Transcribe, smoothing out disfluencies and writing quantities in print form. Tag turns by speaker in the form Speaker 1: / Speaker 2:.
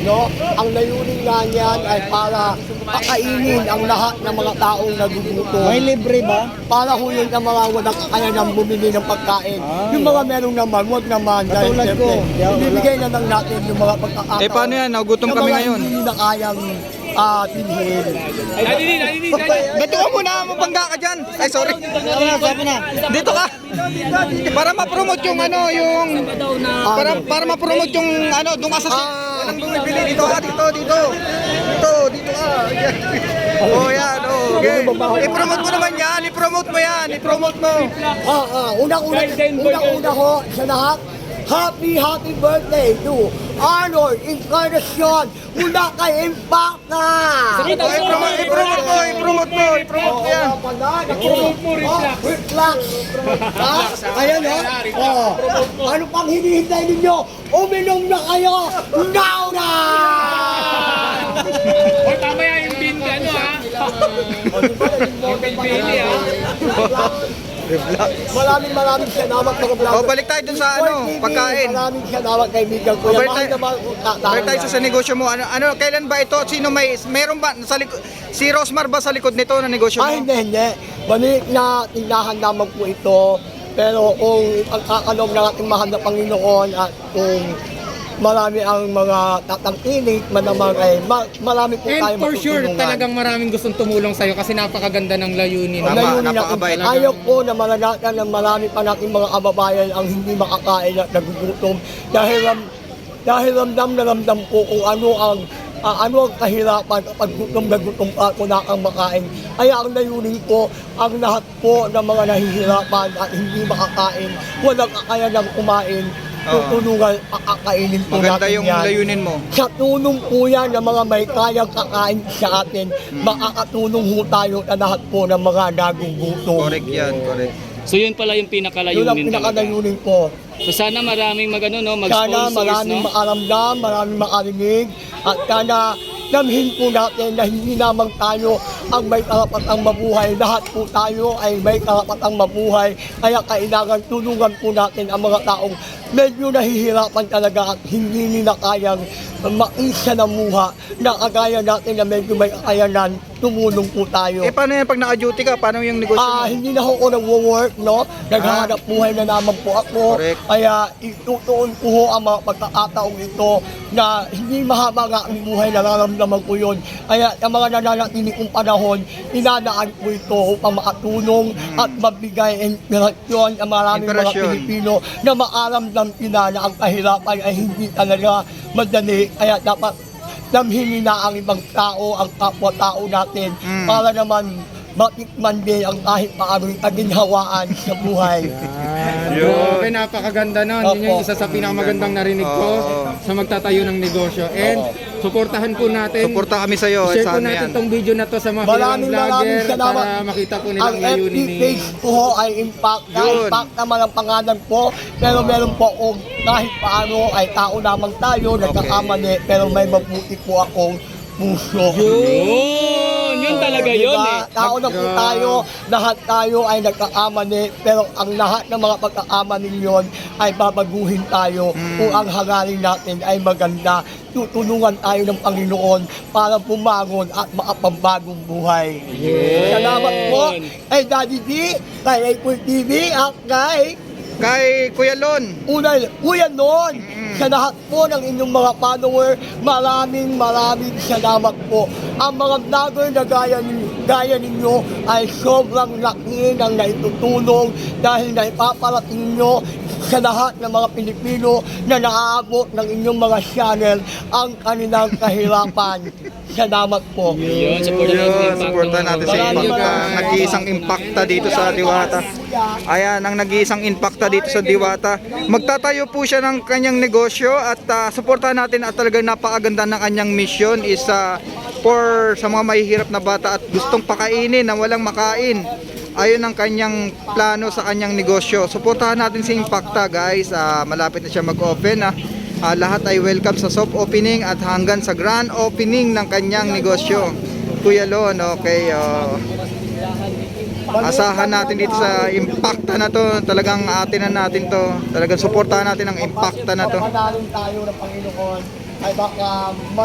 Speaker 1: no? Ang layunin nga niyan ay para pakainin ang lahat ng mga taong nagugutom.
Speaker 2: May libre ba?
Speaker 1: Para ho yun ang mga walang kaya nang bumili ng pagkain. Yung mga merong naman, wag naman. Dahil
Speaker 2: Katulad
Speaker 1: siyempre,
Speaker 2: ko.
Speaker 1: ibibigay na lang natin yung mga pagkakataon.
Speaker 3: Eh paano yan? Nagutom kami ngayon.
Speaker 1: Hindi na kayang pinhin.
Speaker 3: Dito ka muna, mabangga ka dyan. Ay, sorry.
Speaker 2: Sabi na.
Speaker 3: Dito ka. Para ma-promote yung ano, yung... Para ma-promote yung ano, doon ka sa... Walang bumibili. Dito ka, dito. Dito ka. Yan. Oh, yan. Oh, okay. I-promote mo naman yan. I-promote mo yan. I-promote mo.
Speaker 1: Unang-una ho sa lahat, happy birthday to Arnold Encarnacion mula kay Impacta!
Speaker 3: I-promote mo yan.
Speaker 1: Reflux! Ayan o. Ano pang hinihintay ninyo? Uminom na kayo! Now na!
Speaker 4: O tama yan yung bin, ano ha? Bili ha?
Speaker 1: Maraming salamat mga vlogger.
Speaker 3: O, balik tayo dun sa ano, pagkain.
Speaker 1: Maraming salamat kaibigan ko.
Speaker 3: Balik
Speaker 1: Mahal
Speaker 3: tayo-
Speaker 1: na mahal ko
Speaker 3: Balik tayo sa negosyo mo. Ano, kailan ba ito? Sino meron ba sa likod? Si Rosmar ba sa likod nito na negosyo mo?
Speaker 1: Hindi. Balik na tindahan naman po ito. Pero kung ang kakalog ng ating mahal na Panginoon at kung marami ang mga tatangkilik, manamang ay marami po tayo
Speaker 4: And for sure,
Speaker 1: matutulungan.
Speaker 4: talagang maraming gustong tumulong sa'yo kasi napakaganda ng layunin.
Speaker 3: Tama,
Speaker 1: Layunin natin.
Speaker 3: napakabait.
Speaker 1: Ayaw po na malalatan ng marami pa nating mga kababayan ang hindi makakain at nagugutom dahil ramdam na ramdam ko kung ano ang kahirapan kapag gutom na gutom pa kung na ang makain. Kaya ang layunin ko, ang lahat po ng mga nahihirapan at hindi makakain, walang kakayanang kumain, tutulungan, kakainin po
Speaker 3: Maganda
Speaker 1: natin
Speaker 3: yung
Speaker 1: yan.
Speaker 3: layunin mo.
Speaker 1: Sa tulong po yan ng mga may kayang kakain sa atin, makakatulong ho tayo sa lahat po ng mga nagugutom.
Speaker 3: Correct yan, correct.
Speaker 5: So yun pala yung
Speaker 1: Yun ang
Speaker 5: pinakalayunin talaga.
Speaker 1: pinakalayunin ko.
Speaker 5: So sana maraming
Speaker 1: Sana
Speaker 5: mag-sponsors,
Speaker 1: maraming
Speaker 5: no?
Speaker 1: makaramdam, maraming makarinig, at sana damhin po natin na hindi lamang tayo ang may karapatang mabuhay. Lahat po tayo ay may karapatang mabuhay. Kaya kailangan tulungan po natin ang mga taong medyo nahihirapan talaga at hindi nila kayang maisa na muha na kagaya natin na medyo may kakayanan, tumulong po tayo.
Speaker 3: Eh paano yan pag naka-duty ka? Paano yung negosyo mo?
Speaker 1: Hindi na ako nag-work, no? Naghahanap buhay na naman po ako.
Speaker 3: Correct.
Speaker 1: Kaya itutuon ko ho ang mga pagkakataong ito na hindi mahaba nga ang buhay, nararamdaman ko yun. Kaya ang mga nananatili kong panahon, inadaan ko ito upang makatulong at mabigay inspirasyon ang maraming mga
Speaker 3: Inspirasyon.
Speaker 1: Pilipino na maaramdam nila na ang kahirapan ay hindi talaga madali. Kaya dapat damhin nila ang ibang tao, ang kapwa-tao natin para naman matikman din ang kahit paano'y kaginhawaan sa buhay.
Speaker 4: Grabe, napakaganda nun. Yun yung isa sa pinakamagandang narinig ko sa magtatayo ng negosyo. And suportahan po natin.
Speaker 3: Suporta kami sa'yo.
Speaker 4: Share po
Speaker 3: Sana
Speaker 4: natin
Speaker 3: yan.
Speaker 4: tong video na to sa mga kilalang vlogger
Speaker 1: salamat.
Speaker 4: para makita po
Speaker 1: Ang
Speaker 4: nilang
Speaker 1: FB
Speaker 4: layunin ni...
Speaker 1: page ko ho ay Impact.
Speaker 3: Yun.
Speaker 1: Impact naman ang pangalan ko. Pero meron po akong kahit paano ay tao lamang tayo, nagkakamali. Pero may mabuti po akong puso.
Speaker 5: Yun talaga yun eh.
Speaker 1: Tao na po tayo, lahat tayo ay nagkakamali, pero ang lahat ng mga pagkakamali yun ay babaguhin tayo kung ang hangarin natin ay maganda. Tutulungan tayo ng Panginoon para bumangon at makapambagong buhay. Salamat po kay Daddy D, kay Apple TV, at
Speaker 3: Kay Kuya Lon.
Speaker 1: Kuya noon, sa lahat po ng inyong mga follower, maraming salamat po. Ang mga vlogger na gaya ninyo ay sobrang laki ng naitutulong dahil naipaparating nyo sa lahat ng mga Pilipino na naaabot ng inyong mga channel ang kanilang kahirapan. Salamat po.
Speaker 5: Yun, supportan natin
Speaker 3: Supportan natin
Speaker 5: yung Impact.
Speaker 3: sa
Speaker 1: Maraming
Speaker 3: Impacta.
Speaker 1: maraming
Speaker 3: Nag-iisang Impacta dito sa Diwata. Ayan, ang nag-iisang Impacta dito sa Diwata. Magtatayo po siya ng kanyang negosyo at suportahan natin at talagang napakaganda ng kanyang mission is for sa mga mahihirap na bata at gustong pakainin na walang makain. Ayun ang kanyang plano sa kanyang negosyo. Suportahan natin si Impacta, guys. Malapit na siya mag-open. Lahat ay welcome sa soft opening at hanggang sa grand opening ng kanyang negosyo. Kuya Lon, okay. Asahan natin dito sa Impacta na to. Talagang atin na natin to. Talagang suportahan natin ang Impacta na to.
Speaker 1: Pagpapanaling tayo ng Panginoon ay baka